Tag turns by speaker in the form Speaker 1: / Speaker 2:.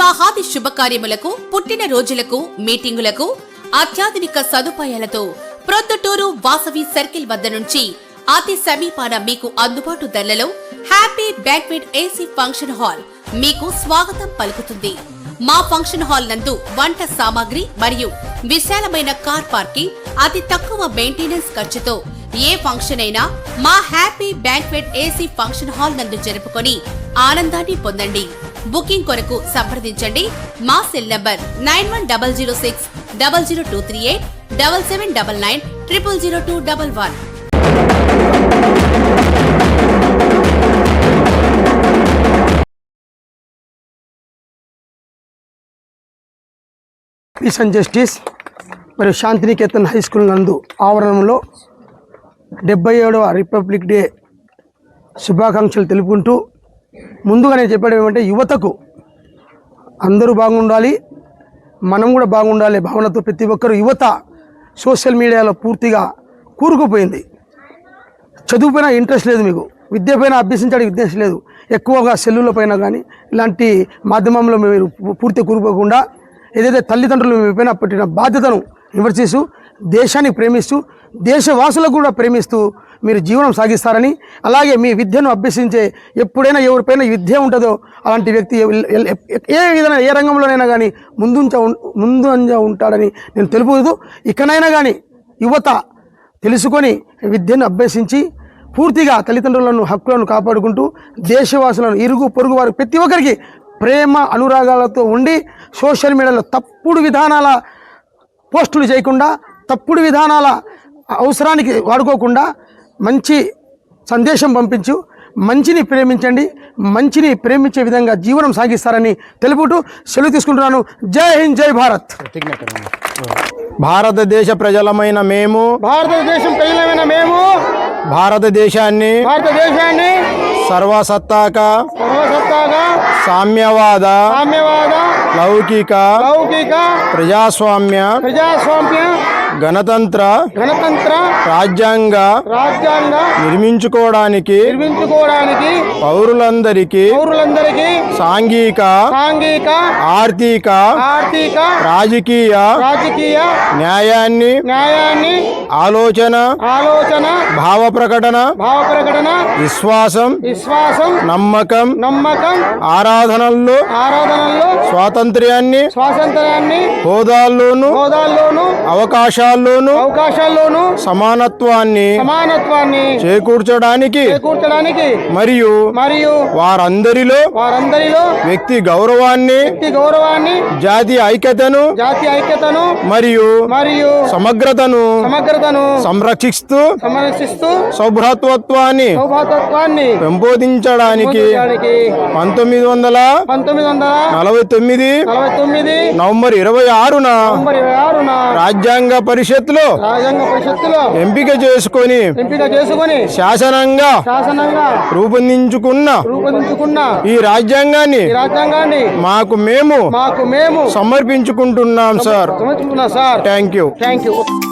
Speaker 1: వివాహాది శుభకార్యములకు, పుట్టిన రోజులకు, మీటింగులకు అత్యాధునిక సదుపాయాలతో ప్రొద్దుటూరు వాసవి సర్కిల్ వద్ద నుంచి అతి సమీపాన మీకు అందుబాటు ధరలలో happy banquet AC function hall మీకు స్వాగతం పలుకుతుంది. మా ఫంక్షన్ హాల్ నందు వంట సామాగ్రి మరియు విశాలమైన కార్ పార్కింగ్, అతి తక్కువ మెయింటెనెన్స్ ఖర్చుతో ఏ ఫంక్షన్ అయినా మా happy banquet AC function hall నందు జరుపుకొని ఆనందాన్ని పొందండి. బుకింగ్ కొరకు సంప్రదించండి. మా cell number 9100600238 7799 000211.
Speaker 2: Peace and justice మరియు శాంతినికేతన్ హై స్కూల్ నందు ఆవరణంలో 77వ రిపబ్లిక్ డే శుభాకాంక్షలు తెలుపుకుంటూ ముందుగా నేను చెప్పడం ఏమంటే, యువతకు అందరూ బాగుండాలి, మనం కూడా బాగుండాలి భావనతో ప్రతి ఒక్కరు యువత సోషల్ మీడియాలో పూర్తిగా కూరుకుపోయింది. చదువుపైన ఇంట్రెస్ట్ లేదు, మీకు విద్య పైన అభ్యసించడానికి ఇంట్రెస్ట్ లేదు. ఎక్కువగా సెల్లుల పైన కానీ ఇలాంటి మాధ్యమంలో మీరు పూర్తిగా కూరుకోకుండా ఏదైతే తల్లిదండ్రులు మీ పైన పెట్టిన బాధ్యతను విమర్శిస్తూ దేశాన్ని ప్రేమిస్తూ దేశవాసులకు కూడా ప్రేమిస్తూ మీరు జీవనం సాగిస్తారని, అలాగే మీ విద్యను అభ్యసించే ఎప్పుడైనా ఎవరిపైన విద్య ఉంటుందో అలాంటి వ్యక్తి ఏ విధంగా ఏ రంగంలోనైనా కానీ ముందంజ ఉంటాడని నేను తెలుపుతూ, ఇకనైనా కానీ యువత తెలుసుకొని విద్యను అభ్యసించి పూర్తిగా తల్లిదండ్రులను హక్కులను కాపాడుకుంటూ దేశవాసులను ఇరుగు పొరుగు వారు ప్రతి ఒక్కరికి ప్రేమ అనురాగాలతో ఉండి సోషల్ మీడియాలో తప్పుడు విధానాల పోస్టులు చేయకుండా, తప్పుడు విధానాల అవసరానికి వాడుకోకుండా మంచి సందేశం పంపించు, మంచిని ప్రేమించండి, మంచిని ప్రేమించే విధంగా జీవనం సాగిస్తారని తెలుపుతూ సెలవు తీసుకుంటున్నాను. జై హింద్, జై భారత్.
Speaker 3: భారతదేశ ప్రజలమైన మేము భారతదేశాన్ని సర్వసత్తాక సామ్యవాద లౌకిక ప్రజాస్వామ్య గణతంత్ర రాజ్యాంగ నిర్మించుకోవడానికి పౌరులందరికీ సాంఘిక ఆర్థిక రాజకీయ న్యాయాన్ని ఆలోచన భావ ప్రకటన విశ్వాసం నమ్మకం ఆరాధనల్లో స్వాతంత్ర్యాన్ని హోదాల్లోనూ అవకాశాల్లోనూ సమానత్వాన్ని చేకూర్చడానికి మరియు వారందరిలో వ్యక్తి గౌరవాన్ని జాతి ఐక్యతను మరియు సమగ్రతను సంరక్షిస్తూ సౌభ్రాతృత్వాన్ని పెంపొందించడానికి 1949 నవంబర్ 26న రాజ్యాంగ పరిషత్తులో ఎంపిక చేసుకొని శాసనంగా రూపొందించుకున్న ఈ రాజ్యాంగాన్ని మాకు మేము సమర్పించుకుంటున్నాం సార్. Thank you.